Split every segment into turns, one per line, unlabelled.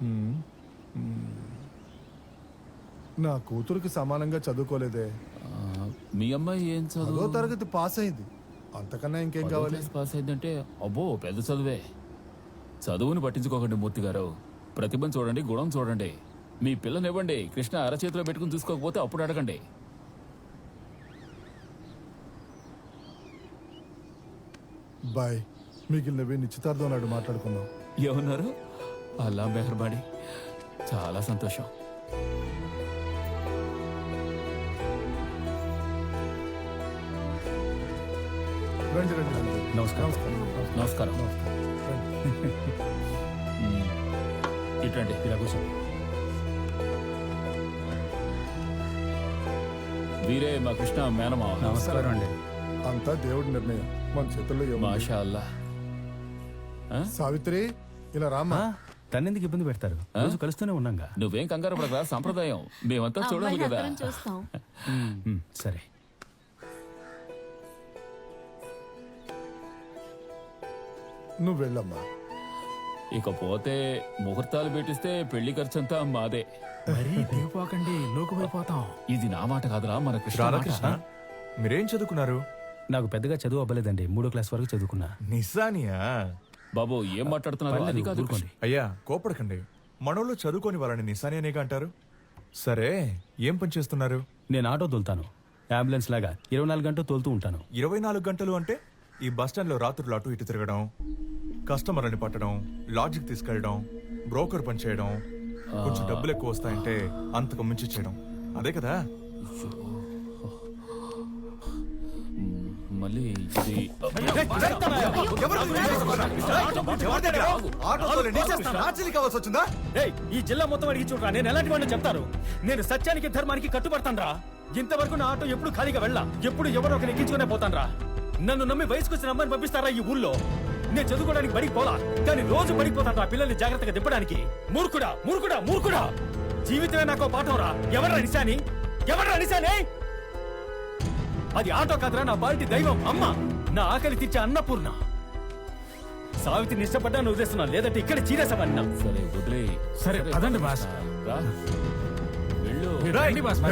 నా కూతురికి సమానంగా చదువుకోలేదే.
మీ అమ్మాయి ఏం చదువు?
10వ తరగతి పాస్ అయింది. అంతకన్నా ఇంకేం కావాలి?
పాస్ అయిందంటే అబ్బో పెద్ద చదువే. చదువుని పట్టించుకోకండి మూర్తి గారు. ప్రతిభను చూడండి, గుణం చూడండి. మీ పిల్లనివ్వండి, కృష్ణ అరచేతిలో పెట్టుకుని చూసుకోకపోతే అప్పుడు అడగండి.
బాయ్, మిగిలినవి నిశ్చితార్థం నాడు మాట్లాడుకుందాం.
ఏమన్నారు? అల్లా మెహర్బాడి. చాలా సంతోషం.
రండి రండి రండి.
నమస్కారం. నమస్కారం. ఇటండి, ఇలా కూర్చోండి. వీరే మా కృష్ణ మేనమావ.
నమస్కారం అండి.
అంతా దేవుడి నిర్ణయం, మన చేతుల్లో ఏముంది?
మాషా అల్లా.
సావిత్రి, ఇలా రామ్మా.
తన్నెందుకు ఇబ్బంది పెడతారు? రోజు కలుస్తూనే ఉన్నాగా.
నువ్వేం కంగారు పడరా, సంప్రదాయం మేమంతా చూడాలి కదా.
సరే.
నువ్వు వెళ్ళమ్మా.
ఇకపోతే ముహూర్తాలు పెట్టిస్తే పెళ్లి ఖర్చంతా మాదే.
మరీ దిగిపోకండి, లోకుపోయిపోతాం.
ఇది నా మాట కాదురా, మన కృష్ణ.
మీరేం చదువుకున్నారు?
నాకు పెద్దగా చదువు అవ్వలేదండి. 3వ క్లాస్ వరకు చదువుకున్నా.
నిజానియా?
బాబు ఏం మాట్లాడుతున్నారు? అది కాదు.
అయ్యా కోపడకండి, మనోళ్ళు చదువుకొని వాళ్ళని నిశానియానేగా అంటారు. సరే, ఏం పని చేస్తున్నారు?
నేను ఆటో తోలుతాను. అంబులెన్స్ లాగా 24 గంటలు తోలుతూ ఉంటాను.
24 గంటలు అంటే ఈ బస్టాండ్లో రాత్రులు అటు ఇటు తిరగడం, కస్టమర్లని పట్టడం, లాడ్జికి తీసుకెళ్ళడం, బ్రోకర్ పని చేయడం, కొంచెం డబ్బులు ఎక్కువ వస్తాయంటే అంతకు మించి చేయడం, అదే కదా?
మళ్ళీ ఇది
ఈ జిల్లా మొత్తం అడిగి చూడరా, నేను ఎలాంటి వాడిని చెప్తారు. నేను సత్యానికి ధర్మానికి కట్టుబడతాను రా. ఇంతవరకు నా ఆటో ఎప్పుడు ఖాళీగా వెళ్ళా. ఎప్పుడు ఎవరో ఒకరు ఎక్కించుకునే పోతాను రా. నన్ను నమ్మి వయసుకు వచ్చిన అమ్మాయిని పంపిస్తారా ఈ ఊళ్ళో? నేను చదువుకోవడానికి బడికి పోలా, కానీ రోజు పడిపోతాను రా పిల్లల్ని జాగ్రత్తగా దిప్పడానికి. మూర్ఖుడా మూర్ఖుడా మూర్ఖుడా! జీవితమే నాకు పాఠం రా. ఎవడ్రా నిశాని? ఎవడ్రా నిశాని? అది ఆటో కాదురా, నా బాల్టి దైవం అమ్మ, నా ఆకలి తీర్చే అన్నపూర్ణ. సావిత్రిని ఇష్టపడ్డాను వదిలేస్తున్నా, లేదంటే ఇక్కడ చీరేసావన్నా.
సరే వదిలే.
సరే పదండి బాస్.
రా, వెళ్ళు.
రండి బాస్.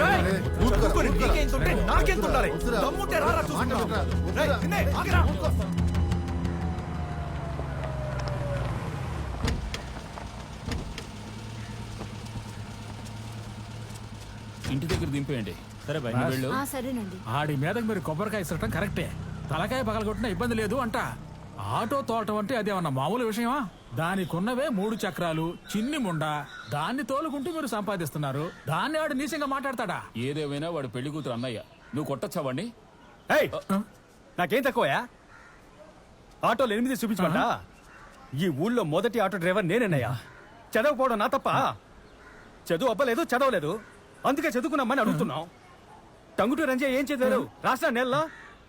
ఇంటి దగ్గర దింపేయండి.
సరే బాయ్,
వెళ్ళు.
సరేనండి.
ఆడి మీదకి మీరు కొబ్బరికాయ ఇసరటం కరెక్టే. తలకాయ పగలగొట్టినా ఇబ్బంది లేదు అంట. ఆటో తోలటం అంటే అదేమన్నా మామూలు విషయమా? దానికున్నవే 3 చక్రాలు, చిన్ని ముండ. దాన్ని తోలుకుంటూ మీరు సంపాదిస్తున్నారు. దాన్ని ఆడు నీచంగా మాట్లాడతాడా?
ఏదేమైనా వాడు పెళ్లి కూతురు అన్నయ్య. నువ్వు కొట్టచ్చావండి.
నాకేం తక్కువయా? ఆటోలు 8 చూపించమంటా? ఈ ఊళ్ళో మొదటి ఆటో డ్రైవర్ నేనేనయ్యా. చదవకపోవడం నా తప్ప? చదువు అవ్వలేదు, చదవలేదు, అందుకే చదువుకున్నామని అడుగుతున్నాం. టంగుటూ రంజయ్య ఏం చదివారు? రాష్ట్ర నెలలో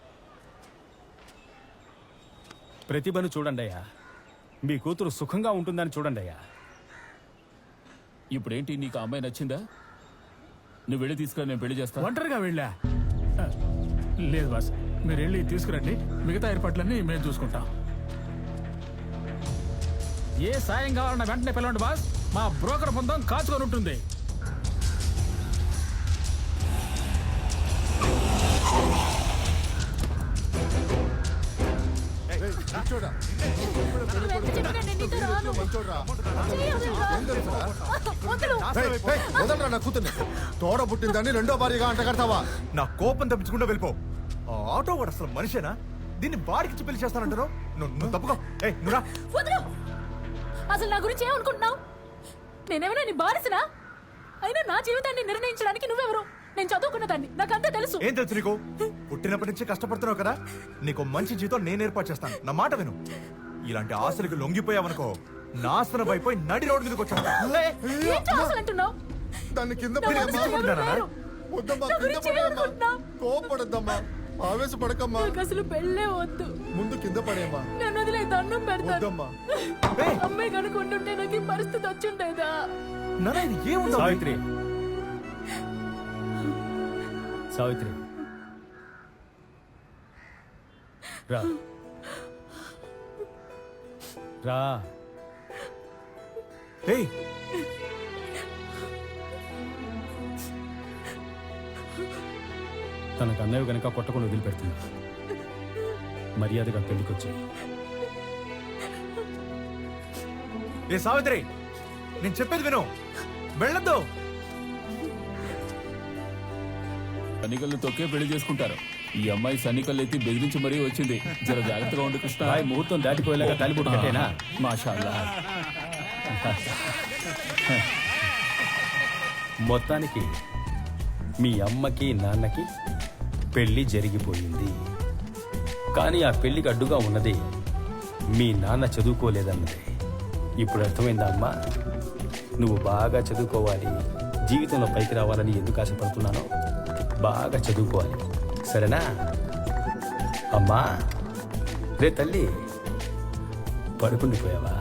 ప్రతిభను చూడండి అయ్యా. మీ కూతురు సుఖంగా ఉంటుందని చూడండి అయ్యా.
ఇప్పుడేంటి, నీకు ఆ అమ్మాయి నచ్చిందా? నువ్వు వెళ్ళి తీసుకురా, నేను పెళ్లి చేస్తా.
ఒంటరిగా వెళ్ళా? లేదు బాస్, మీరు వెళ్ళి తీసుకురండి. మిగతా ఏర్పాట్లన్నీ మేము చూసుకుంటాం. ఏ సాయం కావాలన్నా వెంటనే పిలవండి బాస్. మా బ్రోకర్ బృందం కాచుకొని ఉంటుంది.
నా కూతుర్ని తోడ పుట్టిందని 2వ భార్యగా అంట కడతావా?
నా కోపం తప్పించకుండా వెళ్ళిపో. ఆ ఆటో వాడు అసలు మనిషేనా? దీన్ని బాడికిచ్చి పెళ్లి చేస్తానంటారు. నువ్వు తప్పుకో.
అసలు నా గురించి ఏమనుకుంటున్నావు? నేనేమైనా నీ బానిసనా? అయినా నా జీవితాన్ని నిర్ణయించడానికి నువ్వెవరు? నేను చదువుకున్నదాన్ని, నాకంతా తెలుసు.
ఏం తెలుసు నీకు? పుట్టినప్పటి నుంచి కష్టపడుతున్నావు కదా, నీకు మంచి జీతం నేను ఏర్పాటు చేస్తాను. నా మాట విను. ఇలాంటి ఆశలకు లొంగిపోయావనుకో, నాశనం అయిపోయి నడి రోడ్డు మీదకి వచ్చాను.
దాన్ని కింద కోపడద్దమ్మా, ఆవేశపడకమ్మా.
అసలు పెళ్ళే వద్దు,
ముందు కింద పడేమ్మా.
నన్ను వదిలే, దండం పెడతాను. అమ్మాయి కనుకుంటుంటే నాకు ఈ పరిస్థితి వచ్చిండేదా?
సావిత్రి, సావిత్రి రా రా.
ఏయ్
తనకు అన్నయ్య కనుక కొట్టకుండా వదిలిపెడుతున్నా. మర్యాదగా పెళ్లికొచ్చి
ఏ సావిత్రి, నేను చెప్పేది విను. వెళ్ళొద్దు.
సన్నికల్ని తొక్కే పెళ్లి చేసుకుంటారు. ఈ అమ్మాయి సన్నికల్లు ఎత్తి బెదిరించి మరీ వచ్చింది. జర జాగ్రత్తగా ఉండు కృష్ణ.
ముహూర్తం దాటిపోయేలాగా తాలిబొట్టు కట్టేనా?
మాషాల్లా.
మొత్తానికి మీ అమ్మకి నాన్నకి పెళ్లి జరిగిపోయింది. కానీ ఆ పెళ్లికి అడ్డుగా ఉన్నది మీ నాన్న చదువుకోలేదన్నది. ఇప్పుడు అర్థమైందా అమ్మా? నువ్వు బాగా చదువుకోవాలి, జీవితంలో పైకి రావాలని ఎందుకు ఆశపడుతున్నానో బాగా చదువుకోవాలి, సరేనా? అమ్మా రే తల్లి, పడుకుండిపోయావా?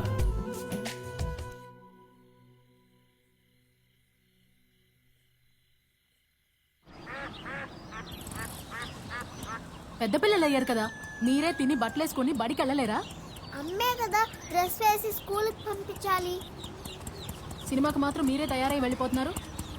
పెద్ద పిల్లలు అయ్యారు కదా, మీరే తిని బట్టలేసుకుని బడికి వెళ్ళలేరా?
అమ్మే కదా డ్రెస్ వేసి స్కూల్కి పంపించాలి.
సినిమాకి మాత్రం మీరే తయారై వెళ్ళిపోతున్నారు.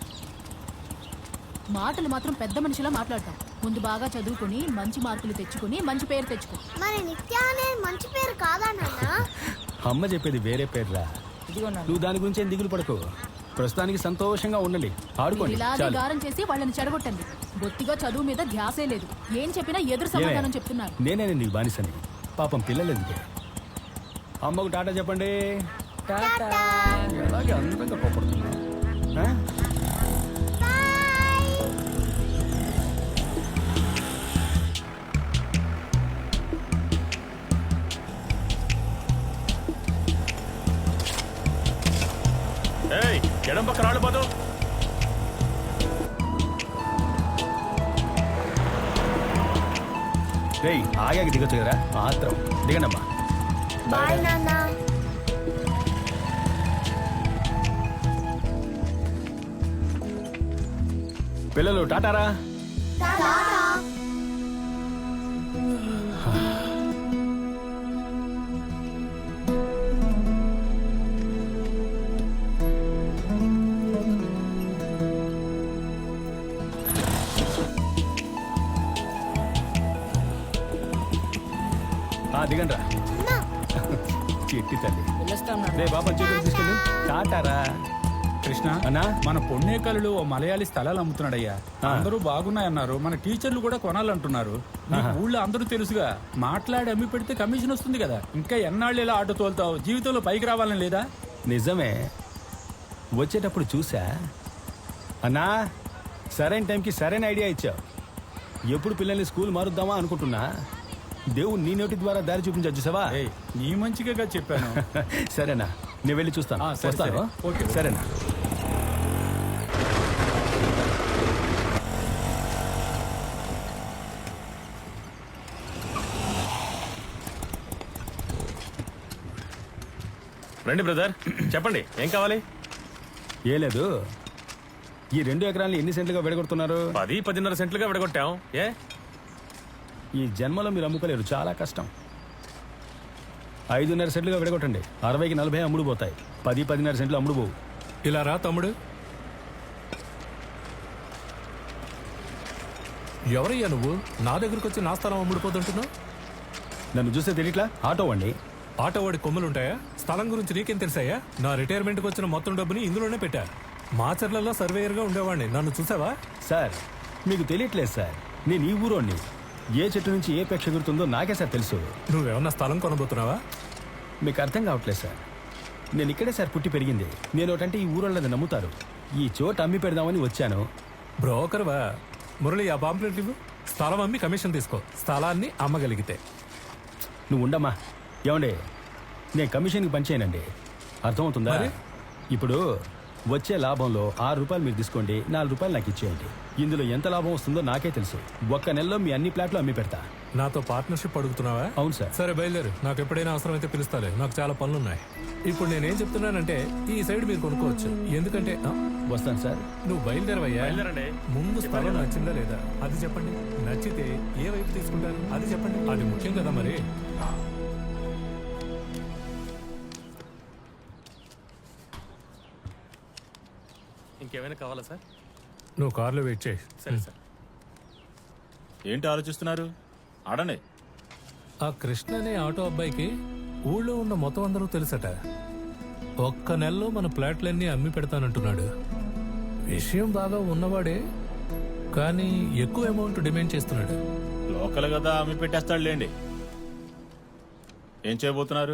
మాటలు మాత్రం పెద్ద మనిషిలా మాట్లాడతాం. ముందు బాగా చదువుకుని మంచి మార్కులు తెచ్చుకుని మంచి పేరు తెచ్చుకో.
మరి నిత్య అనేది మంచి పేరు కాదా నాన్న?
అమ్మ చెప్పేది వేరే పేర్రా. నువ్వు దాని గురించి ఏం దిగులు పడకు. ప్రస్తుతానికి సంతోషంగా ఉండండి, ఆడుకోండి
ఇలాగే
చాలు.
గారం చేసి వాళ్ళని చెడగొట్టండి. బొత్తిగా చదువు మీద ధ్యాసే లేదు. ఏం చెప్పినా ఎదురు సమాధానం చెప్తున్నారు.
నేనే నీకు బానిసని. పాపం పిల్లలు ఎందుకే. అమ్మకు టాటా చెప్పండి. అలాగే అందంగా కోపడుతున్నా.
ఎడం పక్క రాళ్ళు పోదు.
రేయ్ ఆగాకి దిగొచ్చు కదా, మాత్రం దిగండమ్మా.
బాయ్ నాన్న.
పిల్లలు టాటారా. దిగండి రా చెట్టి తల్లి. రే బాబా చేతులు తీసుకెళ్ళు. టాటారా.
కృష్ణ
అన్నా
మన పొన్నేకల్లులో ఓ మలయాళీ స్థలాలు అమ్ముతున్నాడయ్యా. అందరూ బాగున్నాయన్నారు. మన టీచర్లు కూడా కొనాలంటున్నారు. నీకు ఊళ్ళో అందరూ తెలుసుగా. మాట్లాడి అమ్మి పెడితే కమిషన్ వస్తుంది కదా. ఇంకా ఎన్నాళ్ళు ఇలా ఆటో తోలుతావు? జీవితంలో పైకి రావాలని లేదా?
నిజమే, వచ్చేటప్పుడు చూసా. అన్నా సరైన టైంకి సరైన ఐడియా ఇచ్చావు. ఎప్పుడు పిల్లల్ని స్కూల్ మారుద్దామా అనుకుంటున్నా. దేవుడు నీ నోటి ద్వారా దారి చూపించచ్చు సవా.
నీ మంచిగా చెప్పాను.
సరేనా, నేను వెళ్ళి చూస్తాను.
సరే,
వస్తాను.
సరే. ఓకే.
సరేనా.
రండి బ్రదర్, చెప్పండి ఏం కావాలి?
ఏ లేదు, ఈ 2 ఎకరాలను ఎన్ని సెంట్లుగా విడగొడుతున్నారు?
10-10.5 సెంట్లుగా విడగొట్టాం. ఏ
ఈ జన్మలో మీరు అమ్ముకోలేరు, చాలా కష్టం. 5.5 సెంట్లుగా విడగొట్టండి. 60కి 40 అమ్ముడు పోతాయి. 10-10.5 సెంట్లు అమ్ముడు పోవు.
ఇలా రా తమ్ముడు. ఎవరయ్యా నువ్వు? నా దగ్గరకు వచ్చి నా స్థలం అమ్ముడుపోతుంటున్నావు.
నన్ను చూస్తే తెలియట్లా? ఆటో అండి.
ఆటో వాడి కొమ్ములుంటాయా? స్థలం గురించి నీకేం తెలుసాయా? నా రిటైర్మెంట్కి వచ్చిన మొత్తం డబ్బుని ఇందులోనే పెట్టా. మాచర్లలో సర్వేయర్గా ఉండేవాడిని. నన్ను చూసావా?
సార్ మీకు తెలియట్లేదు సార్, నేను ఈ ఊరోని. ఏ చెట్టు నుంచి ఏ పెక్ష ఎగురుతుందో నాకే సార్ తెలుసు.
నువ్వేమన్నా స్థలం కొనబోతున్నావా?
మీకు అర్థం కావట్లేదు సార్. నేను ఇక్కడే సార్ పుట్టి పెరిగింది. నేను ఒకటంటే ఈ ఊరోళ్ళది నమ్ముతారు. ఈ చోట అమ్మి పెడదామని వచ్చాను.
బ్రోకర్వా? మురళి, ఆ పాంప్లెట్ ఇవ్వు. స్థలం అమ్మి కమిషన్ తీసుకో, స్థలాన్ని అమ్మగలిగితే.
నువ్వు ఉండమ్మా. ఏమండి, నేను కమిషన్కి పనిచేయనండి, అర్థమవుతుందా? ఇప్పుడు వచ్చే లాభంలో 6 రూపాయలు మీరు తీసుకోండి, 4 రూపాయలు నాకు ఇచ్చేయండి. ఇందులో ఎంత లాభం వస్తుందో నాకే తెలుసు. ఒక్క నెలలో మీ అన్ని ప్లాట్లు అమ్మి పెడతా.
నాతో పార్ట్నర్షిప్ అడుగుతున్నావా?
అవును సార్.
సరే బయలుదేరు, నాకు ఎప్పుడైనా అవసరం అయితే పిలుస్తాలే. నాకు చాలా పనులున్నాయి. ఇప్పుడు నేనేం చెప్తున్నానంటే ఈ సైడ్ మీరు కొనుక్కోవచ్చు. ఎందుకంటే
వస్తాను సార్.
నువ్వు బయలుదేరవయ్యా.
బయలుదేరండి.
ముందు స్థలం నచ్చిందా లేదా అది చెప్పండి. నచ్చితే ఏ వైపు తీసుకుంటారు అది చెప్పండి. అది ముఖ్యం కదా మరి.
ఇంకేమైనా కావాలా సార్?
నువ్వు కార్లో వెయిట్ చేయి.
సరే సార్.
ఏంటి ఆలోచిస్తున్నారు? ఆడండి.
ఆ కృష్ణ అనే ఆటో అబ్బాయికి ఊళ్ళో ఉన్న మొత్తం అందరూ తెలుసట. ఒక్క నెలలో మన ప్లాట్లన్నీ అమ్మి పెడతానంటున్నాడు. విషయం బాగా ఉన్నవాడే, కానీ ఎక్కువ అమౌంట్ డిమాండ్ చేస్తున్నాడు.
లోకల్ కదా అమ్మి పెట్టేస్తాడు లేండి. ఏం చేయబోతున్నారు?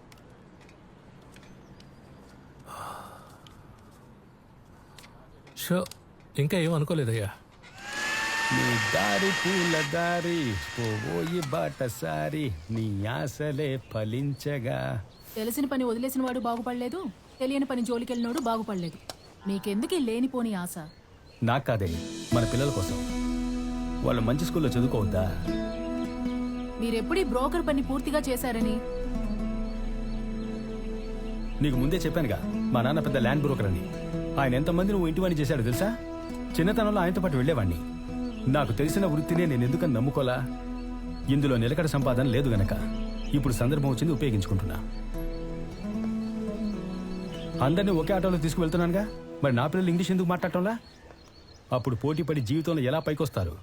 షో, ఇంకా ఏం అనుకోలేదయ్యా.
నీ దారి పూల దారి పోయి బాటసారి నీ ఆశలే ఫలించగా.
తెలిసిన పని వదిలేసిన వాడు బాగుపడలేదు, తెలియని పని జోలికెళ్ళినోడు బాగుపడలేదు. మీకెందుకు ఈ లేనిపోని ఆశ?
నాకు కాదే, మన పిల్లల కోసం. వాళ్ళు మంచి స్కూల్లో చదువుకోవద్దా?
మీరెప్పుడు ఈ బ్రోకర్ పని పూర్తిగా చేశారని?
నీకు ముందే చెప్పానుగా, మా నాన్న పెద్ద ల్యాండ్ బ్రోకర్ అని. ఆయన ఎంతమంది నువ్వు ఇంటి పని చేశాడు తెలుసా? చిన్నతనంలో ఆయనతో పాటు వెళ్లేవాడిని. నాకు తెలిసిన వృత్తినే నేను ఎందుకని నమ్ముకోలా? ఇందులో నిలకడ సంపాదన లేదు గనక ఇప్పుడు సందర్భం వచ్చింది, ఉపయోగించుకుంటున్నా. అందరినీ ఒకే ఆటోలో తీసుకువెళ్తున్నానుగా, మరి నా పిల్లలు ఇంగ్లీష్ ఎందుకు మాట్లాడటంలా? అప్పుడు పోటీ పడి జీవితంలో ఎలా పైకొస్తారు?